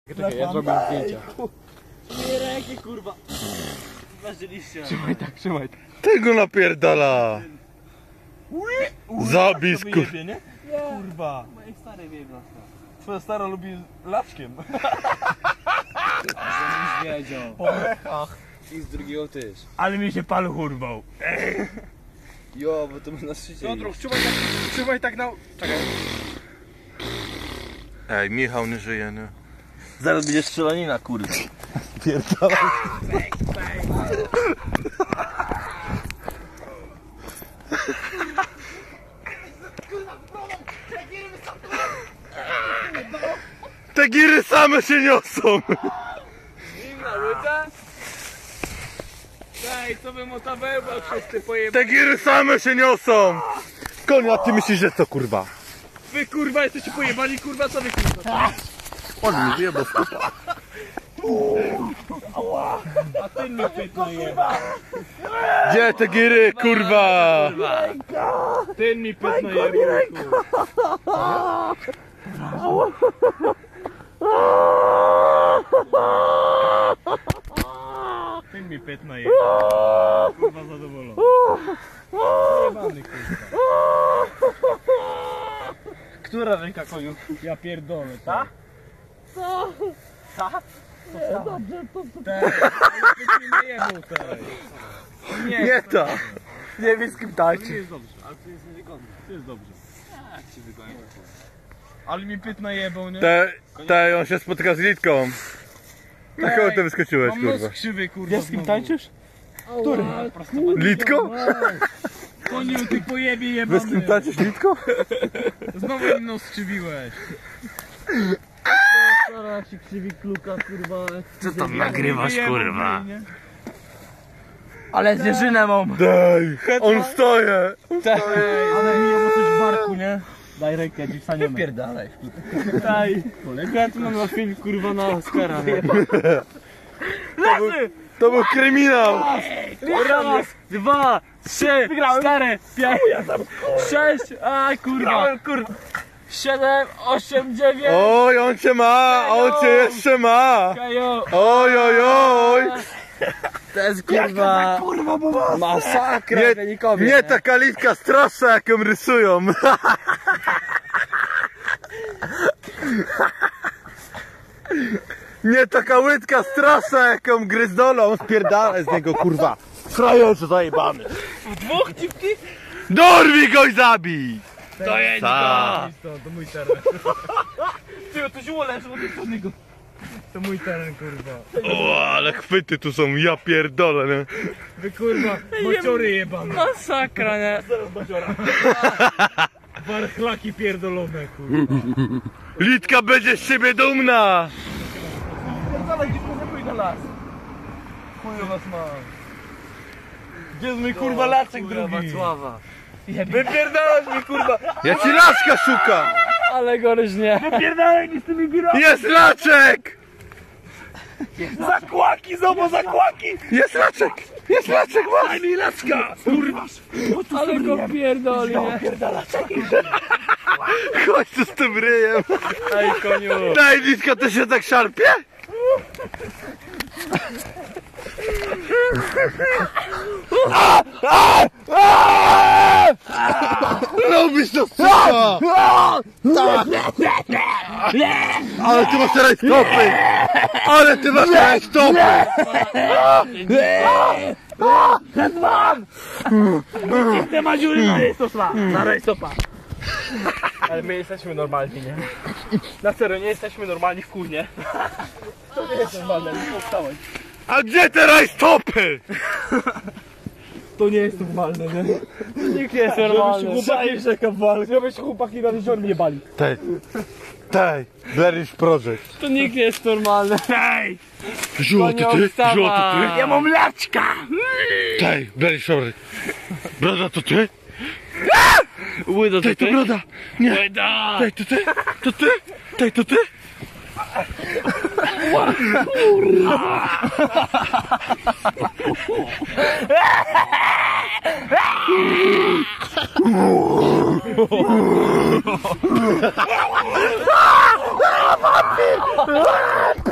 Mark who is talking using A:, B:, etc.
A: Czekaj, ja zrobię zdjęcia.
B: Nie ręki, kurwa. Zważyliście.
A: Trzymaj tak, trzymaj tak.
C: Tego napierdala! Zabij skur...
B: Nie?
A: Kurwa.
B: Moje stare wieblaska.
A: Twoja stara lubi laczkiem.
B: Żebyś wiedział.
A: Po brechach.
B: I z drugiego też.
A: Ale mi się paluch urwał.
B: Jo, bo to my na szczycie.
A: Piotruk, trzymaj tak na... Czekaj.
C: Ej, Michał nie żyje, nie?
B: Zaraz będzie strzelanina, kurwa.
C: Pierdala. Te giry same się niosą!
A: Zimna łyda? Daj, co bym o tabełbał wszyscy pojebali.
C: Te giry same się niosą! Konia, ty myślisz, że co kurwa?
A: Wy kurwa jesteście pojebani, kurwa, co wy kurwa?
C: On mi wyjebał skupa.
A: A ty mi pytno jeba.
C: Gdzie te giry, kurwa?
A: Ty mi pytno jeba, kurwa. Ty mi pytno jeba. Kurwa zadowolony. Jebany kurwa.
B: Która ręka, koniu?
A: Ja pierdolę, tak?
B: Co?
A: Tak?
B: Dobrze, to...
A: Nie jebał teraz.
C: Nie to! Nie wiem z kim
A: To
C: tańczy.
A: nie jest dobrze, ale to jest niewygodne. To jest dobrze.
B: Jak ci wygonię?
A: Ale mi pyt najebał, nie?
C: Te, on się spotyka z Litką. Taką ty wyskoczyłeś,
A: Mam
C: kurwa.
A: nos krzywy, kurwa.
B: Wiesz z kim tańczysz?
A: Który?
C: Litko?
A: Koniu, ty pojebie
C: Wy z kim
A: jebany.
C: tańczysz, Litko?
A: Znowu mi nos skrzywiłeś.
B: Stara ci krzywi kluka, kurwa.
C: Co tam nagrywasz, kurwa?
B: Ale zwierzynę mam.
C: Daj, on stoje!
B: Ale mi jemu coś w barku, nie? Daj rękę, dziś staniemy.
A: Wypierdalaj.
B: Daj. Chętno na film, kurwa, na Oscara.
C: To był kryminał!
B: Raz, 2, 3, 4, 5, 6, a kurwa. 7, 8, 9.
C: Oj, on cię ma! On cię jeszcze ma!
B: Kajo.
C: Oj, oj, oj!
B: To jest kurwa. Masakra.
C: Nie taka Litka straszna, jak ją rysują! Nie taka łydka straszna, jak ją gryzdolą! Spierdalaj z niego, kurwa! Frajerze zajebany!
B: Dwóch dziwki?
C: Dorwij go i zabij!
A: To jest to mój teren.
B: Ty, to ziół leży od jednego.
A: To mój teren, kurwa.
C: O, ale chwyty tu są, ja pierdolę, nie?
A: Wy kurwa, bociory jebane.
B: Masakra, nie?
A: Warchlaki pierdolone, kurwa.
C: Litka będzie z siebie dumna!
B: Pierdolę, gdzie kurwa pójdę las? Chuju was mam.
A: Gdzie jest mój kurwa laczek drugi?
B: Wacława.
A: Wypierdalasz mi, kurwa.
C: Ja ci laczka szukam!
B: Ale goryż nie.
A: Wypierdalaj mi z tymi girami.
C: Jest laczek!
A: Zakłaki, zobacz, zakłaki.
C: Jest laczek! Jest laczek, masz!
A: Daj mi laczka. Kurwa.
B: Ale go pierdoli, nie?
C: Chodź tu z tym ryjem!
A: Ej, koniu.
C: Daj, Litka, to się tak szarpie? Lubisz to, suka! Ale ty masz teraz stopy! Ale ty masz teraz stopy!
A: Nie ma dziury na rejstopa. Na rejstopa. Ale my jesteśmy normalni, nie? Na serio, nie jesteśmy normalni w chuj, nie? To nie jest normalne, nie powstałeś.
C: A gdzie teraz stopy?
A: To nie jest normalne, nie?
B: Nikt nie jest normalny.
A: Chłopaki rzeka walk. Żebyście chłopaki na jezior nie bali.
C: Tej, Blerish Project.
B: To nikt nie jest normalny.
A: Ej!
C: Żółty ty? Żółty ty?
A: Ja mam laczka!
C: Tej, Blerish Project. Broda to ty?
B: Łydo,
C: Tej, to broda! Nie!
A: Łyda!
C: Tej, to ty? To ty? Tej, to ty? Kurwa! wampir!